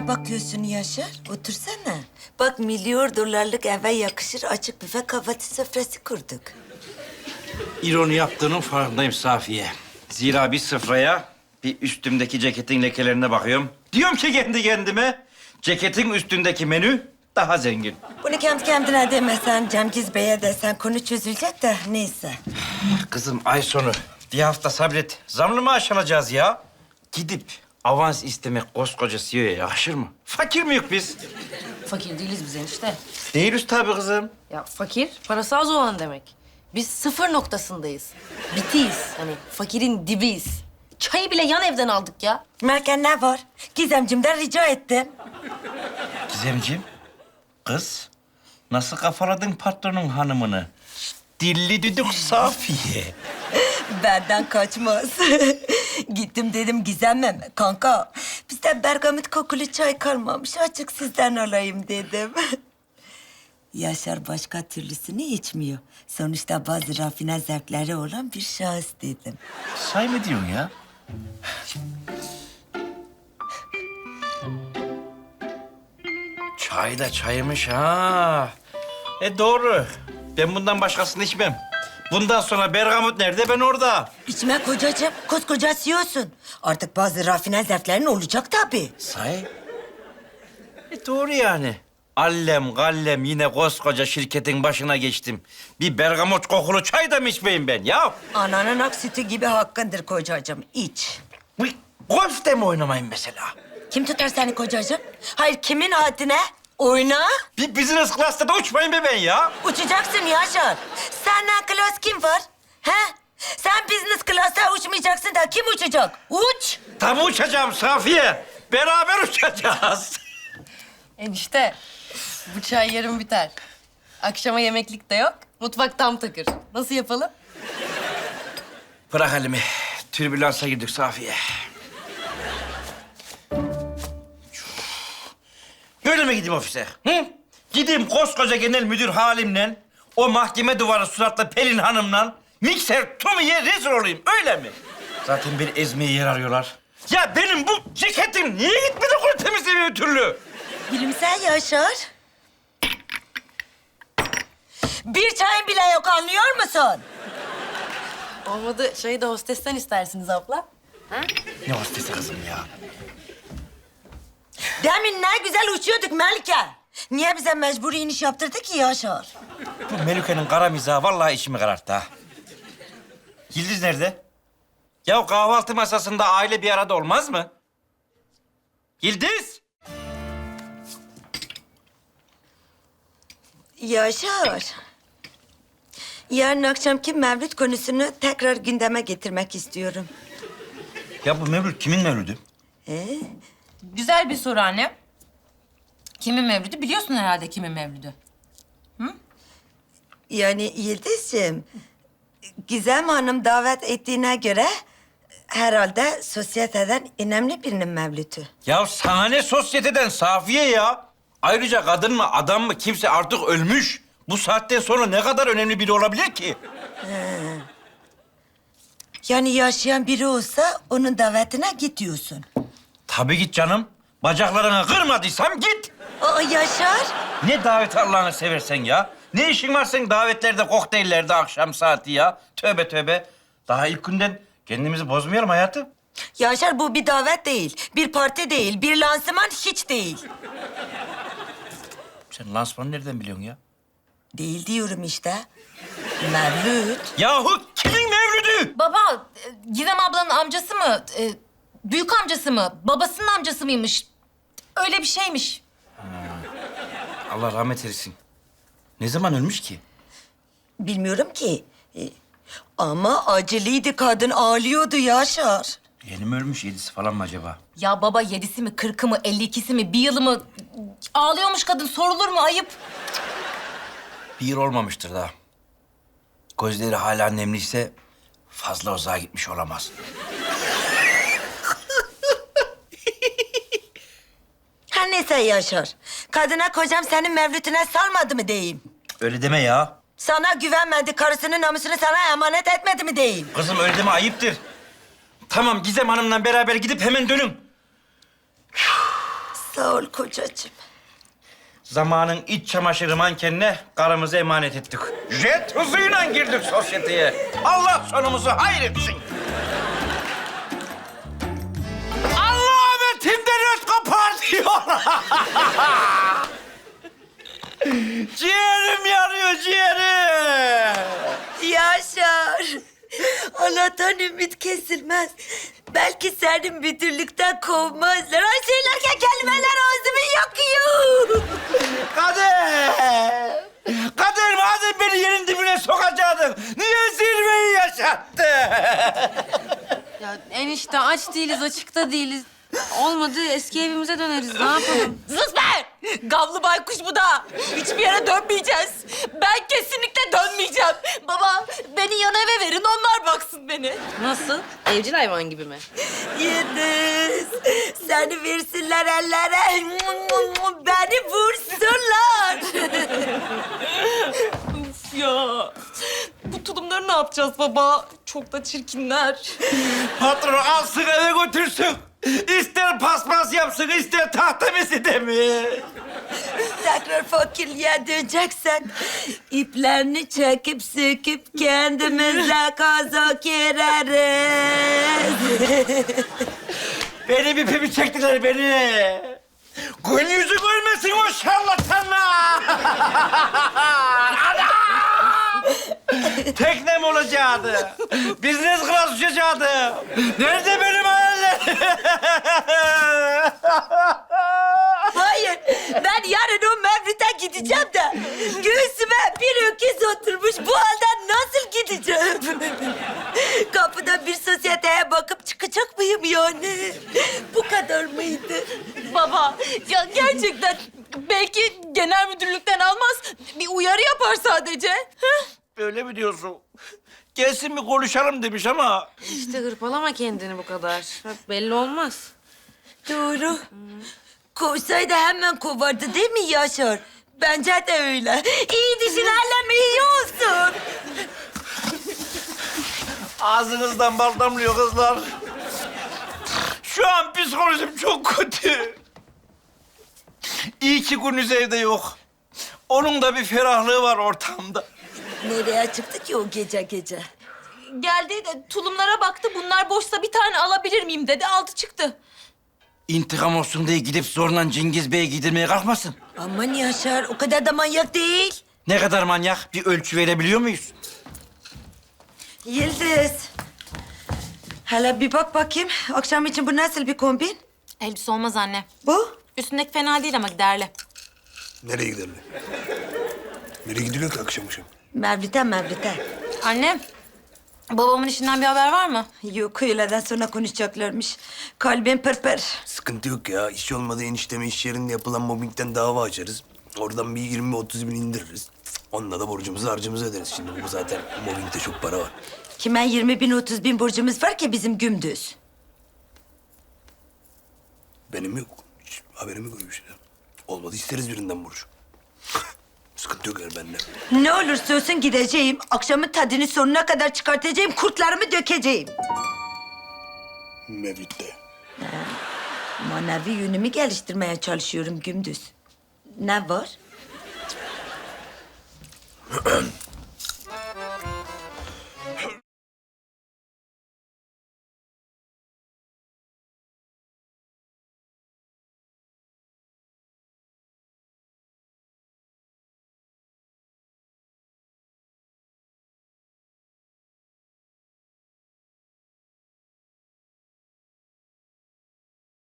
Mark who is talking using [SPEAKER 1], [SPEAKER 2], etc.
[SPEAKER 1] ne bakıyorsun Yaşar? Otursana. Bak milyon dolarlık eve yakışır açık büfe kahvaltı sofrası kurduk.
[SPEAKER 2] İroni yaptığının farkındayım Safiye. Zira bir sıfraya bir üstümdeki ceketin lekelerine bakıyorum. Diyorum ki kendi kendime, ceketin üstündeki menü daha zengin.
[SPEAKER 1] Bunu kendi kendine demesen, Cemgiz Bey'e desen konu çözülecek de neyse.
[SPEAKER 2] Kızım ay sonu bir hafta sabret. Zamlı maaş alacağız ya. Gidip avans istemek koskoca CEO'ya yakışır mı? Fakir miyiz biz?
[SPEAKER 3] Fakir değiliz biz enişte.
[SPEAKER 2] Değiliz tabii kızım.
[SPEAKER 3] Ya fakir, parası az olan demek. Biz sıfır noktasındayız. Bitiyiz. Hani fakirin dibiyiz. Çayı bile yan evden aldık ya.
[SPEAKER 1] Merken ne var? Gizemcimden rica ettim.
[SPEAKER 2] Gizemciğim, kız nasıl kafaladın patronun hanımını? Dilli düdük Safiye.
[SPEAKER 1] Benden kaçmaz. Gittim dedim Gizem'im. Kanka, bizde bergamot kokulu çay kalmamış. Açık sizden alayım dedim. Yaşar başka türlüsünü içmiyor. Sonuçta bazı rafine zevkleri olan bir şahıs dedim.
[SPEAKER 2] Say mı diyorsun ya? Çay da çaymış ha. Doğru. Ben bundan başkasını içmem. Bundan sonra bergamot nerede, ben orada.
[SPEAKER 1] İçme kocacığım, koskoca CEO'sun. Artık bazı rafine zevklerin olacak tabii.
[SPEAKER 2] Say. Doğru yani. Allem gallem yine koskoca şirketin başına geçtim. Bir bergamot kokulu çay da mı içmeyeyim ben ya?
[SPEAKER 1] Ananın ak sütü gibi hakkındır kocacığım, iç.
[SPEAKER 2] Golf de mi oynamayayım mesela?
[SPEAKER 1] Kim tutar seni kocacığım? Hayır, kimin haddine? Oyna.
[SPEAKER 2] Bir business class'ta da uçmayayım be ben ya.
[SPEAKER 1] Uçacaksın Yaşar. Senden klas kim var? He? Sen business class'ta uçmayacaksın da kim uçacak? Uç.
[SPEAKER 2] Tabii uçacağım Safiye. Beraber uçacağız.
[SPEAKER 3] Enişte, bu çay yarın biter. Akşama yemeklik de yok. Mutfak tam takır. Nasıl yapalım?
[SPEAKER 2] Bırak elimi. Türbülansa girdik Safiye. Böyle mi gideyim ofise? Hı? Gideyim koskoca genel müdür halimle, o mahkeme duvarı suratlı Pelin Hanım'la mikser Tommy'ye rezil olayım, öyle mi? Zaten beni ezmeye yer arıyorlar. Ya benim bu ceketim niye gitmedi kuru temizlemiyor bir türlü?
[SPEAKER 1] Gülümse Yaşar. Bir çayın bile yok, anlıyor musun?
[SPEAKER 3] Olmadı çayı da hostesten istersiniz abla.
[SPEAKER 2] Ne hostesi kızım ya?
[SPEAKER 1] Demin ne güzel uçuyorduk Melike. Niye bize mecburi iniş yaptırdı ki Yaşar?
[SPEAKER 2] Bu Melike'nin kara mizahı vallahi içimi kararttı ha. Yıldız nerede? Ya kahvaltı masasında aile bir arada olmaz mı? Yıldız!
[SPEAKER 1] Yaşar. Yarın akşamki mevlüt konusunu tekrar gündeme getirmek istiyorum.
[SPEAKER 2] Ya bu mevlüt kimin mevlüdü?
[SPEAKER 3] Güzel bir soru anne. Kimin mevlüdü? Biliyorsun herhalde kimin mevlüdü.
[SPEAKER 1] Yani Yıldız'cığım, Gizem Hanım davet ettiğine göre herhalde sosyeteden önemli birinin mevlütü.
[SPEAKER 2] Ya sana ne sosyeteden Safiye ya? Ayrıca kadın mı adam mı kimse artık ölmüş. Bu saatten sonra ne kadar önemli biri olabilir ki?
[SPEAKER 1] Yani yaşayan biri olsa onun davetine git diyorsun.
[SPEAKER 2] Tabii git canım. Bacaklarını kırmadıysam git.
[SPEAKER 1] Aa Yaşar.
[SPEAKER 2] Ne daveti Allah'ını seversen ya? Ne işin var senin davetlerde, kokteyllerde akşam saati ya? Tövbe tövbe. Daha ilk günden kendimizi bozmayalım hayatım.
[SPEAKER 1] Yaşar, bu bir davet değil, bir parti değil, bir lansman hiç değil.
[SPEAKER 2] Sen lansmanı nereden biliyorsun ya?
[SPEAKER 1] Değil diyorum işte. Mevlüt.
[SPEAKER 2] Yahu kimin mevlüdü?
[SPEAKER 3] Baba, Gizem ablanın amcası mı? Büyük amcası mı? Babasının amcası mıymış? Öyle bir şeymiş.
[SPEAKER 2] Allah rahmet eylesin. Ne zaman ölmüş ki?
[SPEAKER 1] Bilmiyorum ki. Ama acılıydı, kadın ağlıyordu Yaşar.
[SPEAKER 2] Yeni mi ölmüş, yedisi falan mı acaba?
[SPEAKER 3] Ya baba 7'si mi, 40'ı mı, 52'si mi, bir yılı mı? Ağlıyormuş kadın, sorulur mu? Ayıp.
[SPEAKER 2] Bir yıl olmamıştır daha. Gözleri hala nemliyse fazla uzağa gitmiş olamaz.
[SPEAKER 1] Her neyse Yaşar. Kadına kocam senin mevlütüne salmadı mı diyeyim?
[SPEAKER 2] Öyle deme ya.
[SPEAKER 1] Sana güvenmedi, karısının namusunu sana emanet etmedi mi diyeyim?
[SPEAKER 2] Kızım öyle deme, ayıptır. Tamam Gizem Hanım'la beraber gidip hemen dönün.
[SPEAKER 1] Sağ ol kocacığım.
[SPEAKER 2] Zamanın iç çamaşırı mankenine karımızı emanet ettik. Jet hızıyla girdik sosyeteye. Allah sonumuzu hayretsin. Allah'ım etimden öt kopar diyor. Ciğerim yanıyor, ciğerim.
[SPEAKER 1] Yaşar. Allah'tan ümit kesilmez. Belki seni müdürlükten kovmazlar. Ay söylerken kelimeler ağzımı yakıyor.
[SPEAKER 2] Kader! Kader madem beni yerin dibine sokacaktın, niye zirveyi yaşattın?
[SPEAKER 3] Ya enişte aç değiliz, açıkta değiliz. Olmadı eski evimize döneriz. Ne yapalım?
[SPEAKER 4] Sus be! Gavlı baykuş bu da. Hiçbir yere dönmeyeceğiz. Ben kesinlikle dönmeyeceğim. Baba, beni yan eve verin, onlar baksın beni.
[SPEAKER 3] Nasıl? Evcil hayvan gibi mi?
[SPEAKER 1] Yıldız. Seni versinler ellere. Beni vursunlar.
[SPEAKER 4] Uf ya. Bu tulumları ne yapacağız baba? Çok da çirkinler.
[SPEAKER 2] Patron alsın eve götürsün. İster paspas yapsın, ister tahta meside mi?
[SPEAKER 1] Tekrar fakirliğe döneceksen iplerini çekip söküp kendimize kazak gireriz.
[SPEAKER 2] Benim ipimi çektiler beni. Gün yüzü görmesin o şarlatanlar. Anam! Teknem olacaktı. Business class uçacaktı. Nerede benim hayallerim?
[SPEAKER 1] Hayır, ben yarın o Mevlüt'e gideceğim de göğsüme bir öküz oturmuş. Bu halden nasıl gideceğim? Kapıda bir sosyeteye bakıp çıkacak mıyım yani? Bu kadar mıydı?
[SPEAKER 4] Baba, ya gerçekten belki genel müdürlükten almaz. Bir uyarı yapar sadece. Heh.
[SPEAKER 2] Öyle mi diyorsun? Gelsin bir konuşalım demiş ama...
[SPEAKER 3] İşte hırpalama kendini bu kadar. Bak belli olmaz.
[SPEAKER 1] Doğru. Kovsaydı hemen kovardı değil mi Yaşar? Bence de öyle. İyi düşün, elleme iyi olsun.
[SPEAKER 2] Ağzınızdan bal damlıyor kızlar. Şu an psikolojim çok kötü. İyi ki Gündüz evde yok. Onun da bir ferahlığı var ortamda.
[SPEAKER 1] Nereye çıktı ki o gece gece?
[SPEAKER 4] Geldi de tulumlara baktı. Bunlar boşsa bir tane alabilir miyim dedi. Aldı çıktı.
[SPEAKER 2] İntikam olsun diye gidip zorla Cengiz Bey'e gidilmeye kalkmasın.
[SPEAKER 1] Aman Yaşar, o kadar da manyak değil.
[SPEAKER 2] Ne kadar manyak? Bir ölçü verebiliyor muyuz?
[SPEAKER 1] Yıldız. Hele bir bak bakayım. Akşam için bu nasıl bir kombin?
[SPEAKER 4] Elbise olmaz anne.
[SPEAKER 1] Bu?
[SPEAKER 4] Üstündeki fena değil ama giderli.
[SPEAKER 5] Nereye gidelim? Nereye gidiliyor ki akşam akşam?
[SPEAKER 1] Mevlüt'e.
[SPEAKER 4] Anne, babamın işinden bir haber var mı?
[SPEAKER 1] Yok, öğleden sonra konuşacaklarmış. Kalbim pırpır.
[SPEAKER 5] Sıkıntı yok ya. İş olmadı enişteme iş yerinde yapılan mobbingden dava açarız. Oradan bir 20-30 bin indiririz. Onunla da borcumuzu harcımızı öderiz. Şimdi bu zaten mobbingde çok para var.
[SPEAKER 1] Kime 20 bin, 30 bin borcumuz var ki bizim Gündüz?
[SPEAKER 5] Benim yok. Hiç haberim yok öyle bir şeyden. Olmadı isteriz birinden borç. Sıkıntı yok yani bende.
[SPEAKER 1] Ne olursa olsun gideceğim. Akşamın tadını sonuna kadar çıkartacağım. Kurtlarımı dökeceğim.
[SPEAKER 5] Mevlüt'te.
[SPEAKER 1] Manevi yönümü geliştirmeye çalışıyorum Gündüz. Ne var?